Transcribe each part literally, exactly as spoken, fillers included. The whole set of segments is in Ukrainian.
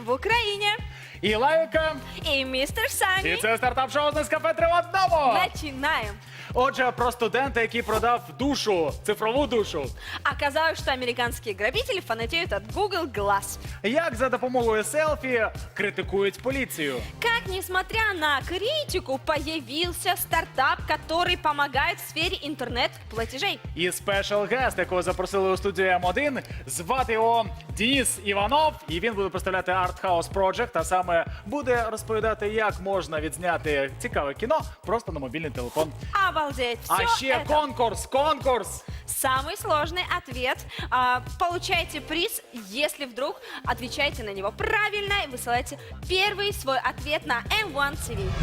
в Украине. І Лайка. И мистер Сани. І це стартап-шоу з Нескафе три в одному. Начинаем. Отже, про студента, який продав душу, цифрову душу. Оказалось, что американские грабители фанатеют от Google Glass. Як за допомогою селфі критикують поліцію. Как, несмотря на критику, появился стартап, который помогает в сфере интернет-платежей. І спешл-гест, якого запросили у студію М один, звати його Денис Іванов. І він буде представляти Art House Project, а саме буде розповідати, як можна відзняти цікаве кіно просто на мобільний телефон. Обалдеть. Все А ще это... конкурс, конкурс! Самый сложный ответ. А, получаете приз, если вдруг отвечаете на него правильно и высылаете первый свой ответ на эм один ти ви.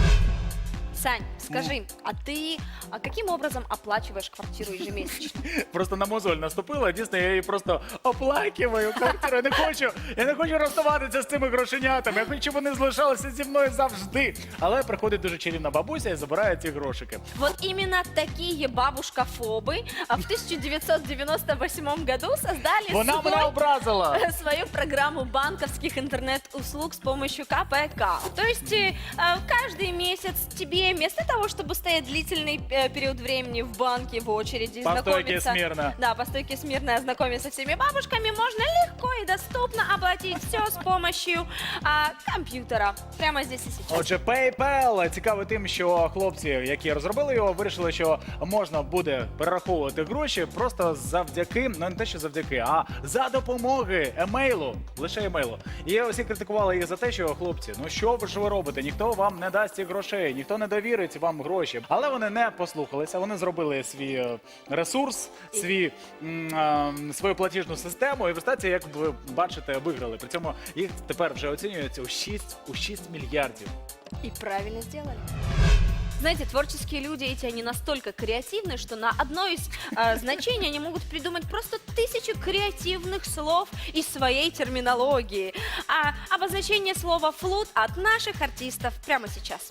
Сань, скажи, а ты а каким образом оплачиваешь квартиру ежемесячно? Просто на мозоль наступила, дійсно, я її просто оплакиваю квартиру. Я не хочу, я не хочу розставатися з цими грошенятами. Я хочу, щоб вони залишалися зі мною завжди. Але приходить дуже чарівна бабуся і забирає ці грошики. Вот именно такие бабушкафобы а, в тысяча девятьсот девяносто восьмом году создали Вона мене свой, образила. свою программу банковских интернет-услуг с помощью ка пэ ка. То есть э, каждый месяц тебе вместо того, чтобы стоять длительный э, период времени в банке в очереди, По стойке знакомиться, смирно. да, по стойке смирно ознакомиться со всеми бабушками, можно легко и доступно оплатить все с помощью а, компьютера. Прямо здесь и сейчас. Отже, PayPal цікавий тим, що хлопці, які розробили його, вирішили, що можна буде перераховувати гроші просто завдяки, ну не те, що завдяки, а за допомоги емейлу, лише емейлу. І усі критикували їх за те, що хлопці, ну що ви ж ви робите? Ніхто вам не дасть цих грошей, ніхто не довірить вам гроші. Але вони не послухалися, вони зробили свій е, ресурс, свій, м, е, свою платіжну систему, і в результаті, як ви бачите, виграли. При цьому їх тепер вже оцінюється у шість, у шість мільярдів. И правильно сделали. Знаете, творческие люди эти, они настолько креативны, что на одно из э, значений они могут придумать просто тысячу креативных слов из своей терминологии. А обозначение слова «флут» от наших артистов прямо сейчас.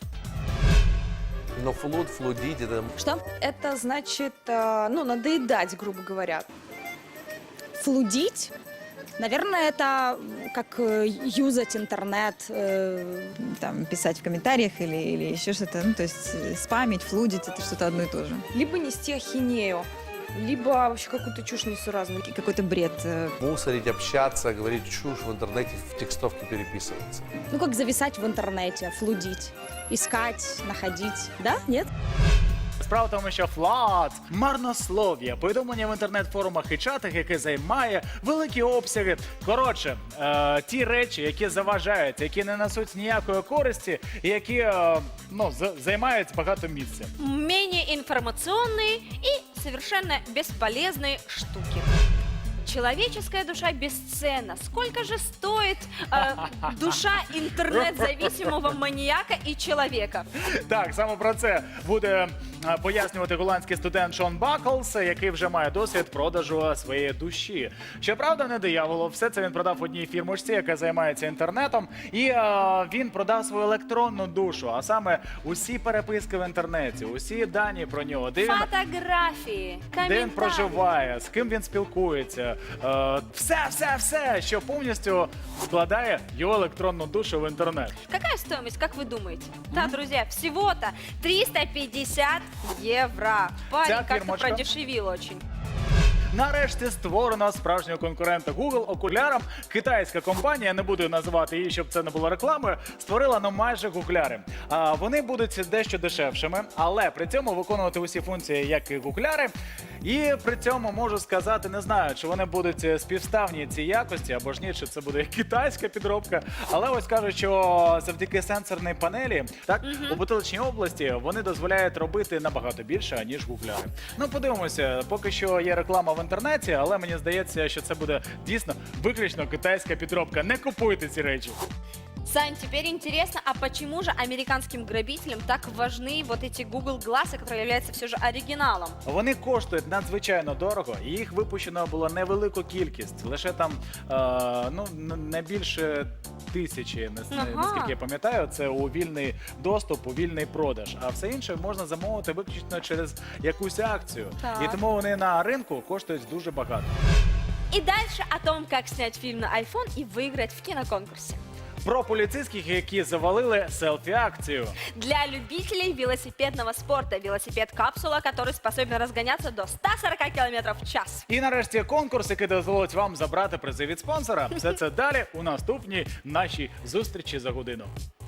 Но флуд, флудить, это... Что? Это значит, э, ну, надоедать, грубо говоря. Флудить? Наверное, это как э, юзать интернет, э, Там, писать в комментариях или, или еще что-то. Ну, то есть э, спамить, флудить, это что-то одно и то же. Либо нести ахинею, либо вообще какую-то чушь несуразную. И какой-то бред. э, Мусорить, общаться, говорить чушь в интернете, в текстовке переписываться. ну как зависать в интернете, флудить, искать, находить, да? Нет? Справа в тому, що флат, марнослов'я, повідомлення в інтернет-форумах і чатах, яке займає великі обсяги. Коротше, е, ті речі, які заважають, які не несуть ніякої користі, і які е, ну, з- займають багато місця. Менее информационные и совершенно бесполезные штуки. Человеческая душа бесценна. Сколько же стоит э, душа интернет-зависимого маньяка и человека? Так, саме про це буде е, пояснювати голландський студент Шон Баклс, який вже має досвід продажу своєї душі. Щоправда, не дияволу, все це він продав одній фірмочці, яка займається інтернетом, і е, він продав свою електронну душу, а саме усі переписки в інтернеті, усі дані про нього, де він, Фотографии, де він комментарии. проживає, з ким він спілкується, е, все, все, все, що повністю складає його електронну душу в інтернет. Какая стоимость, как вы думаете? Да, друзья, всего-то триста пятьдесят евро. Парень Вся как-то фирмочка. продешевил очень. Нарешті створено справжнього конкурента Google окулярам. Китайська компанія, не буду називати її, щоб це не було рекламою, створила ну майже гугляри. А, вони будуть дещо дешевшими, але при цьому виконувати усі функції, як і гугляри. І при цьому можу сказати, не знаю, чи вони будуть співставні цій якості, або ж ні, чи це буде китайська підробка. Але ось кажуть, що завдяки сенсорній панелі, так, у бутиличній області вони дозволяють робити набагато більше, ніж гугляри. Ну, подивимося, поки що є реклама в інтернеті, але мені здається, що це буде дійсно виключно китайська підробка. Не купуйте ці речі. Сань, теперь интересно, а почему же американским грабителям так важны вот эти Google Glass, которые являются все же оригиналом? Вони коштують надзвичайно дорого, і їх випущено було невелику кількість, лише там е, ну н- не більше тисячі, нас- Ага. наскільки я пам'ятаю, це у вільний доступ, у вільний продаж. А все інше можна замовити виключно через якусь акцію. Так. І тому вони на ринку коштують дуже багато. И дальше о том, как снять фильм на iPhone и выиграть в киноконкурсе. про поліцейських, які завалили селфі-акцію. Для любителей велосипедного спорта велосипед-капсула, который способен разгоняться до ста сорока километров в час. І нарешті конкурс, який дозволить вам забрати призи від спонсора. Все це далі у наступній нашій зустрічі за годину.